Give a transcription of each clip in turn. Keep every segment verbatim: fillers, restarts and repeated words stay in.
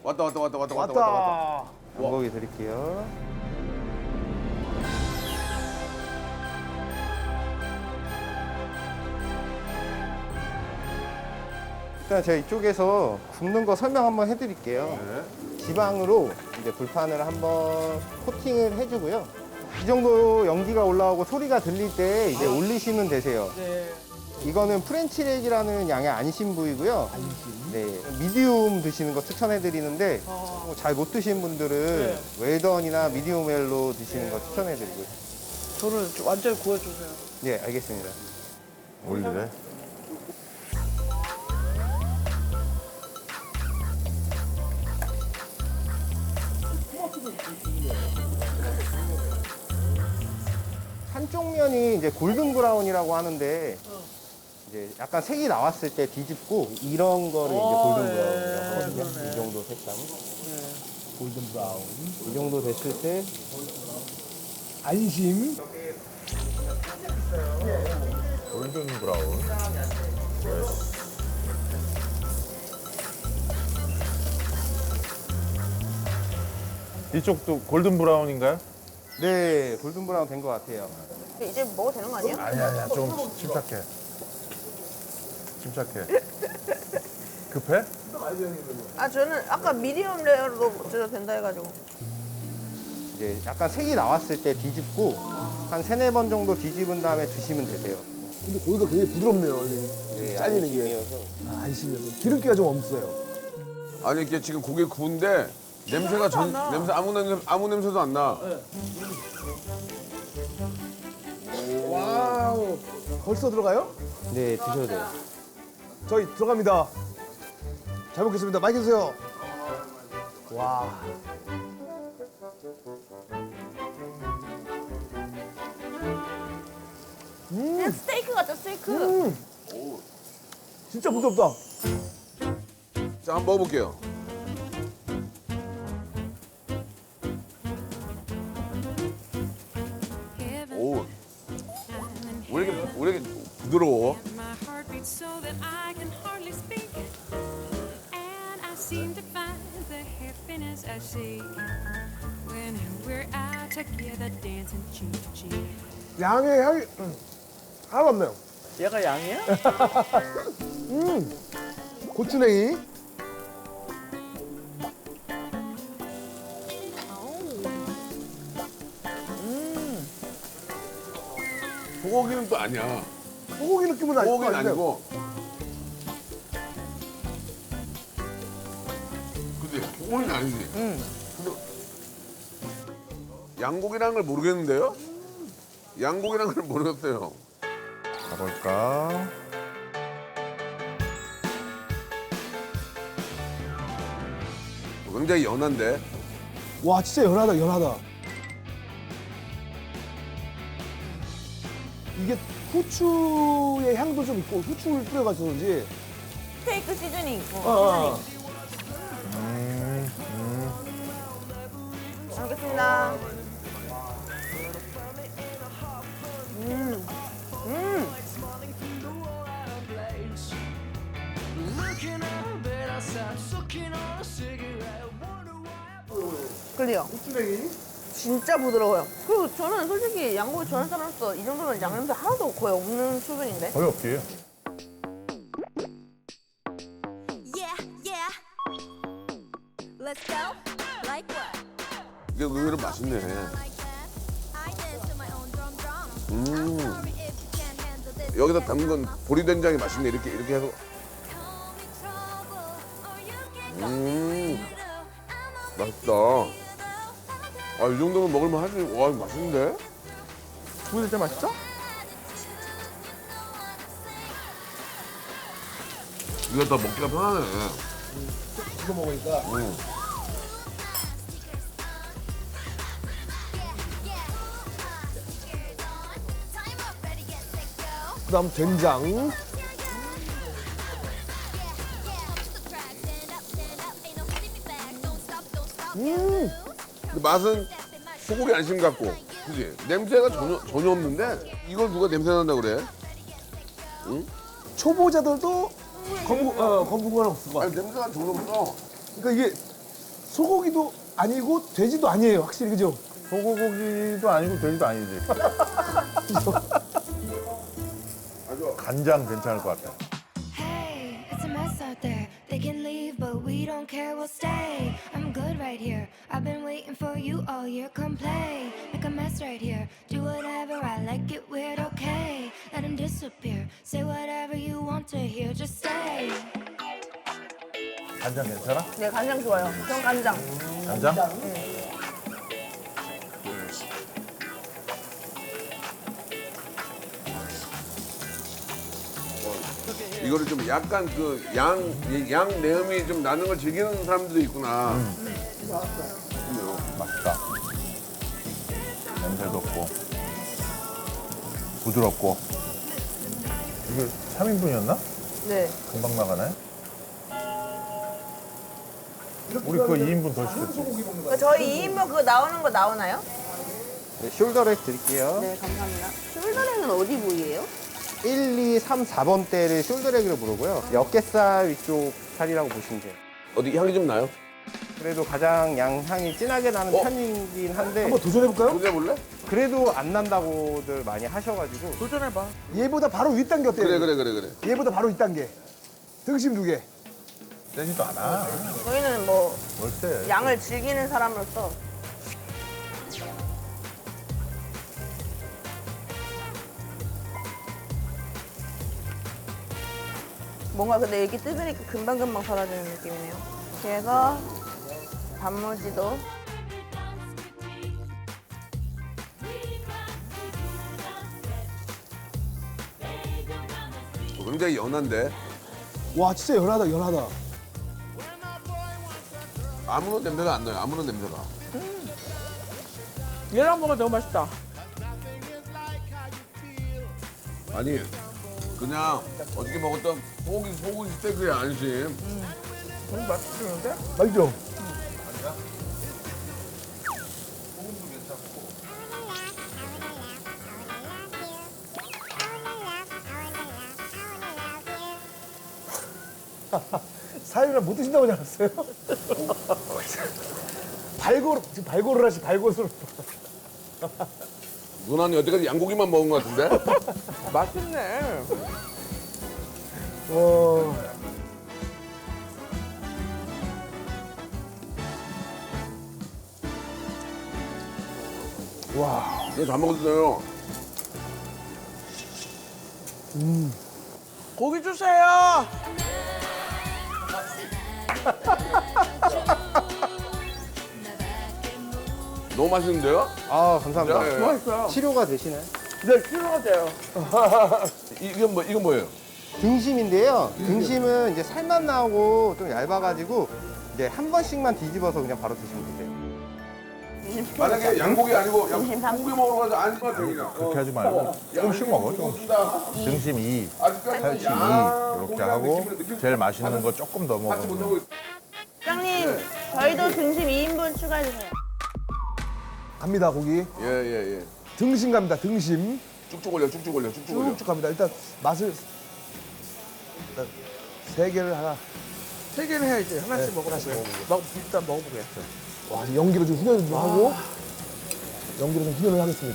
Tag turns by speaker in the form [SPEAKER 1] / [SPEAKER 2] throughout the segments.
[SPEAKER 1] 왔다 왔다 왔다 왔다 왔다 왔다. 왔다.
[SPEAKER 2] 양고기 드릴게요. 일단 제가 이쪽에서 굽는 거 설명 한번 해드릴게요.
[SPEAKER 1] 네.
[SPEAKER 2] 지방으로 이제 불판을 한번 코팅을 해주고요. 이 정도 연기가 올라오고 소리가 들릴 때 이제 올리시면 되세요.
[SPEAKER 3] 네.
[SPEAKER 2] 이거는 프렌치렉이라는 양의 안심 부위고요. 네, 미디움 드시는 거 추천해드리는데
[SPEAKER 3] 어.
[SPEAKER 2] 잘 못 드시는 분들은 웰던이나 미디움 웰로 드시는 거 추천해드리고요.
[SPEAKER 3] 저를 좀 완전히 구해주세요.
[SPEAKER 2] 네, 알겠습니다.
[SPEAKER 1] 올리네.
[SPEAKER 2] 한쪽 면이 이제 골든 브라운이라고 하는데 이제 약간 색이 나왔을 때 뒤집고 이런 거를 이제
[SPEAKER 3] 어,
[SPEAKER 2] 골든
[SPEAKER 3] 예,
[SPEAKER 2] 브라운이라고 하거든요.
[SPEAKER 3] 그러네.
[SPEAKER 2] 이 정도 색감.
[SPEAKER 3] 네.
[SPEAKER 4] 골든 브라운.
[SPEAKER 2] 이 정도 됐을 때
[SPEAKER 4] 안심.
[SPEAKER 1] 골든 브라운.
[SPEAKER 5] 이쪽도 골든 브라운인가요?
[SPEAKER 2] 네, 골든 브라운 된 것 같아요.
[SPEAKER 6] 이제 먹어도 되는 거 아니에요?
[SPEAKER 5] 아니 아니야 좀 침착해. 침착해. 급해?
[SPEAKER 6] 아 저는 아까 미디엄 레어로 드셔도 된다 해가지고.
[SPEAKER 2] 이제 약간 색이 나왔을 때 뒤집고 한 세네 번 정도 뒤집은 다음에 드시면 되세요.
[SPEAKER 4] 근데 고기가 굉장히 부드럽네요.
[SPEAKER 2] 네,
[SPEAKER 4] 잘리는 게.
[SPEAKER 2] 안심이어서.
[SPEAKER 4] 아, 안심이어서. 기름기가 좀 없어요.
[SPEAKER 1] 아니 이게 지금 고기 구운데 냄새가 전 냄새 아무 냄새 아무 냄새도 안 나.
[SPEAKER 4] 와우. 벌써 들어가요?
[SPEAKER 2] 네, 드셔도 돼요.
[SPEAKER 4] 저희 들어갑니다. 잘 먹겠습니다. 많이 드세요. 와.
[SPEAKER 6] 그냥 스테이크 같죠 스테이크.
[SPEAKER 4] 음. 진짜 부드럽다.
[SPEAKER 1] 자 한번 먹어볼게요. 오. 왜 이렇게 왜 이렇게 부드러워?
[SPEAKER 7] My heart beats so that I can hardly speak. And I seem to find the happiness I seek when we're out together dancing cheek to cheek.
[SPEAKER 4] 양의 향이 음, 하나도 없네요.
[SPEAKER 3] 얘가 양이야?
[SPEAKER 4] 음. 고추냉이.
[SPEAKER 1] 소고기는 또 아니야.
[SPEAKER 4] 소고기 느낌은 아니고.
[SPEAKER 1] 소고기는 아니고. 그지? 소고기는 아니지.
[SPEAKER 3] 응.
[SPEAKER 1] 근데 양고기라는 걸 모르겠는데요? 양고기라는 걸 모르겠어요.
[SPEAKER 5] 가볼까?
[SPEAKER 1] 굉장히 연한데.
[SPEAKER 4] 와, 진짜 연하다, 연하다. 이게 후추의 향도 좀 있고 후추를 뿌려가지고 그런지.
[SPEAKER 6] 스테이크 시즈닝 있고.
[SPEAKER 4] 어, 어.
[SPEAKER 6] 잘 먹겠습니다. 클리어.
[SPEAKER 4] 후추냉이.
[SPEAKER 6] 진짜 부드러워요. 그리고 저는 솔직히 양고기 좋아하는 사람으로서 이 정도면 양냄새 하나도 거의 없는 수준인데.
[SPEAKER 5] 거의 없지.
[SPEAKER 8] Yeah, yeah. Let's go. Like what?
[SPEAKER 1] 이게 의외로 맛있네.
[SPEAKER 8] Like that. I dance to my own drum drum.
[SPEAKER 1] 음.
[SPEAKER 8] I'm sorry if you can't handle this.
[SPEAKER 1] 여기다 담근 건 보리된장이 맛있네. 이렇게 이렇게 해서.
[SPEAKER 8] Call me trouble, or you can call
[SPEAKER 1] 음.
[SPEAKER 8] me weirdo. I'm a
[SPEAKER 1] 맛있다.
[SPEAKER 8] weirdo.
[SPEAKER 1] 아, 이 정도면 먹을만 하지. 와, 이거 맛있는데?
[SPEAKER 3] 구이 진짜 맛있어?
[SPEAKER 1] 이거 더 먹기가 편하네.
[SPEAKER 4] 이거 먹으니까.
[SPEAKER 1] 응.
[SPEAKER 4] 그 다음 된장. 음.
[SPEAKER 1] 근데 맛은 소고기 안심 같고, 그지? 냄새가 전혀, 전혀 없는데 이걸 누가 냄새 난다 그래?
[SPEAKER 4] 초보자들도 거부, 어, 거부감 없을 것
[SPEAKER 1] 아니,
[SPEAKER 4] 같아.
[SPEAKER 1] 냄새가 전혀 없어.
[SPEAKER 4] 그러니까 이게 소고기도 아니고 돼지도 아니에요. 확실히 그죠?
[SPEAKER 5] 소고기도 아니고 돼지도 아니지. 간장 괜찮을 것 같아.
[SPEAKER 8] Hey, it's a mess out there. They can leave, but we don't care, we'll stay. I'm good right here. I've been waiting for you all year. Come play, make a mess right here. Do whatever, I like it weird, okay. Let him disappear. Say whatever you want to hear, just stay.
[SPEAKER 5] 간장 괜찮아?
[SPEAKER 6] 네, 간장 좋아요. 전 간장.
[SPEAKER 5] 간장?
[SPEAKER 1] 이거를 좀 약간 그 양 양 내음이 좀 나는 걸 즐기는 사람들도 있구나. 그래요.
[SPEAKER 5] 맛있다. 냄새도 없고 부드럽고. 이게 삼 인분이었나?
[SPEAKER 6] 네.
[SPEAKER 5] 금방 나가네. 우리 그거 이 인분 더 시켰지.
[SPEAKER 6] 그 저희 이 인분 그거 나오는 거 나오나요?
[SPEAKER 2] 네, 숄더렉 드릴게요.
[SPEAKER 6] 네, 감사합니다. 숄더렉은 어디 부위예요?
[SPEAKER 2] 일, 이, 삼, 사 번 대를 숄더렉으로 부르고요. 어깨살 위쪽 살이라고 보시면 돼요.
[SPEAKER 1] 어디 향이 좀 나요?
[SPEAKER 2] 그래도 가장 양향이 진하게 나는
[SPEAKER 1] 어?
[SPEAKER 2] 편이긴 한데
[SPEAKER 4] 한번 도전해볼까요?
[SPEAKER 1] 도전해볼래?
[SPEAKER 2] 그래도 안 난다고들 많이 하셔가지고
[SPEAKER 3] 도전해봐.
[SPEAKER 4] 얘보다 바로 윗단계 어때요?
[SPEAKER 1] 그래 그래 그래 그래.
[SPEAKER 4] 얘보다 바로 윗단계. 등심 두 개.
[SPEAKER 5] 세지도 않아.
[SPEAKER 6] 저희는 뭐
[SPEAKER 5] 월세.
[SPEAKER 6] 양을 즐기는 사람으로서 뭔가 근데 이렇게 뜯으니까 금방금방 사라지는 느낌이네요. 그래서 단무지도
[SPEAKER 1] 어, 굉장히 연한데
[SPEAKER 4] 와 진짜 연하다 연하다.
[SPEAKER 1] 아무런 냄새가 안 나요. 아무런 냄새가.
[SPEAKER 3] 얘랑 먹으면 너무 맛있다.
[SPEAKER 1] 아니 그냥 어떻게 먹었던 소고기 소고기 스테이크의 안심.
[SPEAKER 3] 너무 맛있는데?
[SPEAKER 4] 맛있죠? 사유를 못 드신다고 하지 않았어요? 발골 지금 발골을 하시 발골을.
[SPEAKER 1] 누나는 여태까지 양고기만 먹은 것 같은데?
[SPEAKER 3] 맛있네.
[SPEAKER 4] 와. 와.
[SPEAKER 1] 이거 다 먹었어요.
[SPEAKER 3] 고기 주세요.
[SPEAKER 1] 너무 맛있는데요?
[SPEAKER 2] 아 감사합니다.
[SPEAKER 1] 네.
[SPEAKER 3] 맛있어요.
[SPEAKER 2] 치료가 되시나요?
[SPEAKER 3] 네, 치료가 돼요.
[SPEAKER 1] 이- 이건 뭐 이건 뭐예요?
[SPEAKER 2] 등심인데요. 등심은 이제 살만 나오고 좀 얇아가지고 이제 한 번씩만 뒤집어서 그냥 바로 드시면 되세요.
[SPEAKER 1] 만약에 양고기 아니고 양
[SPEAKER 6] 등심 삼.
[SPEAKER 1] 고기 먹으러 가서 안심만 되냐?
[SPEAKER 5] 그렇게 하지 말고 조금씩 먹어. 조금씩. 등심 이, 살치 이 이렇게 하고 제일 맛있는 거 조금 더
[SPEAKER 1] 같이 못
[SPEAKER 5] 먹으면
[SPEAKER 1] 하고 있어.
[SPEAKER 6] 사장님 저희도 등심 이 인분 추가해주세요.
[SPEAKER 4] 갑니다 고기.
[SPEAKER 1] 예예 예.
[SPEAKER 4] 등심 갑니다 등심.
[SPEAKER 1] 쭉쭉 올려 쭉쭉 올려 쭉쭉 올려.
[SPEAKER 4] 쭉쭉 갑니다. 일단 맛을 일단 세 개를 하나.
[SPEAKER 3] 세 개는 해야지. 하나씩
[SPEAKER 4] 네,
[SPEAKER 3] 먹어보게.
[SPEAKER 4] 하나씩 먹어보게.
[SPEAKER 3] 먹, 일단 먹어보게.
[SPEAKER 4] 와 지금 연기를 좀 훈연을 좀 하고 연기를 좀 훈연을 하겠습니다.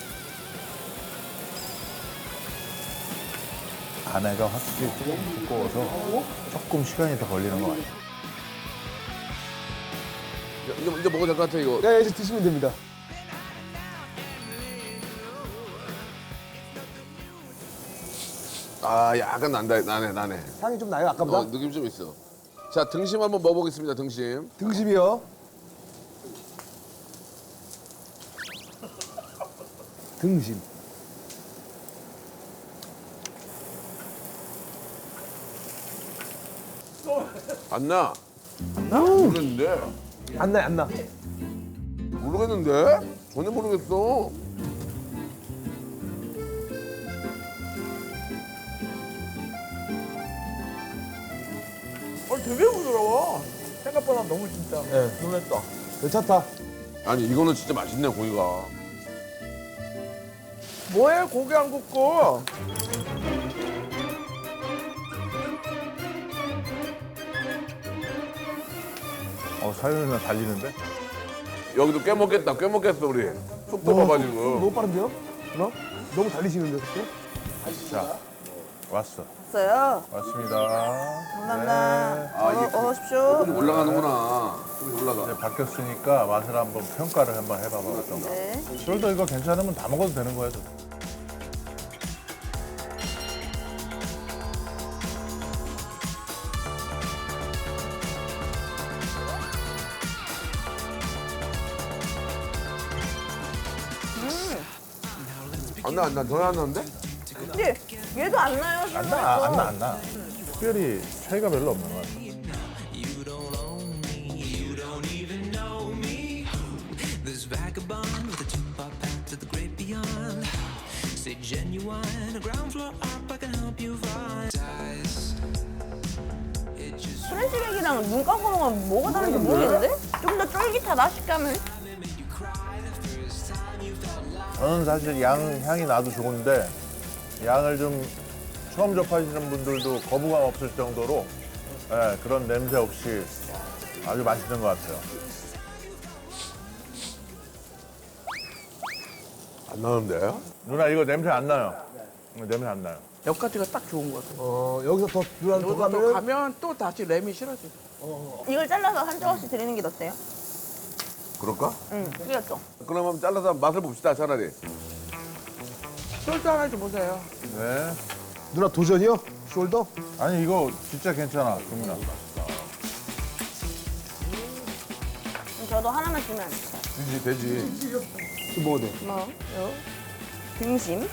[SPEAKER 5] 안에가 확실히 조금 두꺼워서 조금 시간이 더 걸리는 것 같아.
[SPEAKER 1] 이제 이제 먹어도 될 것 같아 이거.
[SPEAKER 4] 네 이제 드시면 됩니다.
[SPEAKER 1] 아 약간 난다 나네 나네.
[SPEAKER 4] 향이 좀 나요 아까보다.
[SPEAKER 1] 어, 느낌 좀 있어. 자 등심 한번 먹어보겠습니다 등심.
[SPEAKER 4] 등심이요. 등심.
[SPEAKER 1] 안 나. 안 나? 모르겠는데.
[SPEAKER 4] 안 나요 안 나.
[SPEAKER 1] 모르겠는데? 전혀 모르겠어.
[SPEAKER 3] 어, 되게 부드러워. 생각보다 너무 진짜
[SPEAKER 4] 네.
[SPEAKER 3] 놀랬다.
[SPEAKER 4] 괜찮다.
[SPEAKER 1] 아니 이거는 진짜 맛있네 고기가.
[SPEAKER 3] 뭐해, 고기 안 굽고.
[SPEAKER 5] 어, 사연 누나 달리는데?
[SPEAKER 1] 여기도 꽤 먹겠다. 꽤 먹겠어 우리. 속
[SPEAKER 4] 너무
[SPEAKER 1] 들어가지고.
[SPEAKER 4] 빠른데요? 누나? 너무 달리시는데 그때?
[SPEAKER 5] 자, 왔어.
[SPEAKER 6] 왔어요.
[SPEAKER 5] 왔습니다.
[SPEAKER 6] 감사합니다.
[SPEAKER 5] 네.
[SPEAKER 1] 아, 이게
[SPEAKER 6] 어서 오십시오.
[SPEAKER 1] 좀 올라가는구나. 좀 올라가.
[SPEAKER 5] 이제 바뀌었으니까 맛을 한번 평가를 한번 해봐봐. 어떤 거.
[SPEAKER 6] 네.
[SPEAKER 5] 숄더 이거 괜찮으면 다 먹어도 되는 거야. 저.
[SPEAKER 1] 안 나, 안 나. 전혀 안 나는데?
[SPEAKER 6] 그치? 얘도 안 나요.
[SPEAKER 5] 안 나, 안 나, 안 나. 특별히 차이가 별로 없는 것 같아.
[SPEAKER 9] This vagabond with a two-part path to the great beyond. Say genuine, a ground floor up, I can help you find eyes. It just
[SPEAKER 6] 프렌치백이랑 눈 감고 먹으면 뭐가 다른지 모르겠는데? 좀 더 쫄깃하다 식감은.
[SPEAKER 5] 저는 사실 양 향이 나도 좋은데 양을 좀 처음 접하시는 분들도 거부감 없을 정도로 예, 그런 냄새 없이 아주 맛있는 것 같아요.
[SPEAKER 1] 안 나는데?
[SPEAKER 5] 누나 이거 냄새 안 나요? 냄새 안 나요.
[SPEAKER 3] 여기까지가 딱 좋은 것 같아.
[SPEAKER 4] 어, 여기서 더 누나 더
[SPEAKER 3] 여기서 또
[SPEAKER 4] 가면은
[SPEAKER 3] 가면 또 다시 램이 싫어져.
[SPEAKER 6] 이걸 잘라서 한 조각씩 드리는 게 어때요?
[SPEAKER 1] 그럴까?
[SPEAKER 6] 응, 그렇죠.
[SPEAKER 1] 그럼 한번 잘라서 맛을 봅시다 차라리.
[SPEAKER 3] 숄더 하나 좀 보세요.
[SPEAKER 5] 네.
[SPEAKER 4] 누나 도전이요? 숄더?
[SPEAKER 5] 아니 이거 진짜 괜찮아, 금이나.
[SPEAKER 6] 그럼 저도 하나만 주면
[SPEAKER 1] 되지, 되지.
[SPEAKER 4] 좀 먹어도 돼.
[SPEAKER 6] 뭐, 요 등심.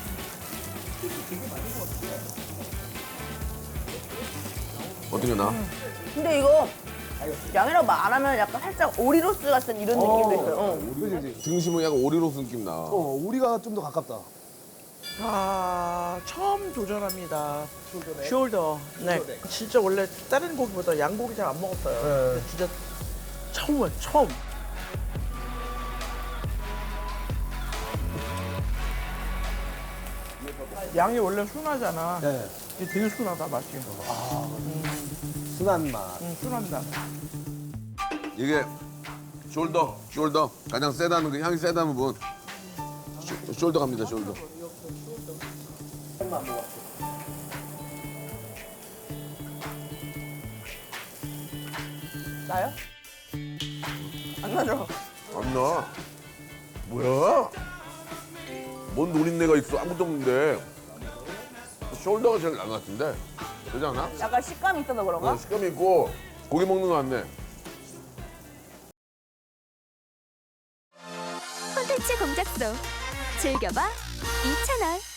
[SPEAKER 1] 어떻게 나?
[SPEAKER 6] 근데 이거 양이라고 말 안 하면 약간 살짝 오리로스 같은 이런 느낌도 있어요. 어.
[SPEAKER 4] 그지, 그지.
[SPEAKER 1] 등심은 약간 오리로스 느낌 나.
[SPEAKER 4] 어, 우리가 좀 더 가깝다.
[SPEAKER 3] 아, 처음 도전합니다. 숄더. 네. 진짜 원래 다른 고기보다 양고기 잘 안 먹었어요. 근데 진짜 처음이에요, 처음. 양이 원래 순하잖아.
[SPEAKER 4] 네.
[SPEAKER 3] 이게 되게 순하다, 맛이.
[SPEAKER 4] 순한 맛.
[SPEAKER 3] 응, 순합니다.
[SPEAKER 1] 이게 숄더, 숄더. 가장 세다는 그 향이 세다는 분. 숄- 숄더 갑니다, 숄더.
[SPEAKER 6] 나요? 안 나죠?
[SPEAKER 1] 안 나. 뭐야? 뭔 노린내가 있어? 아무것도 없는데. 숄더가 제일 나은 것 같은데. 그러지 않아?
[SPEAKER 6] 약간 식감이 있어서 그런가?
[SPEAKER 1] 어, 식감이 있고 고기 먹는 거 같네.
[SPEAKER 8] 콘텐츠 공작소 즐겨봐 이 채널.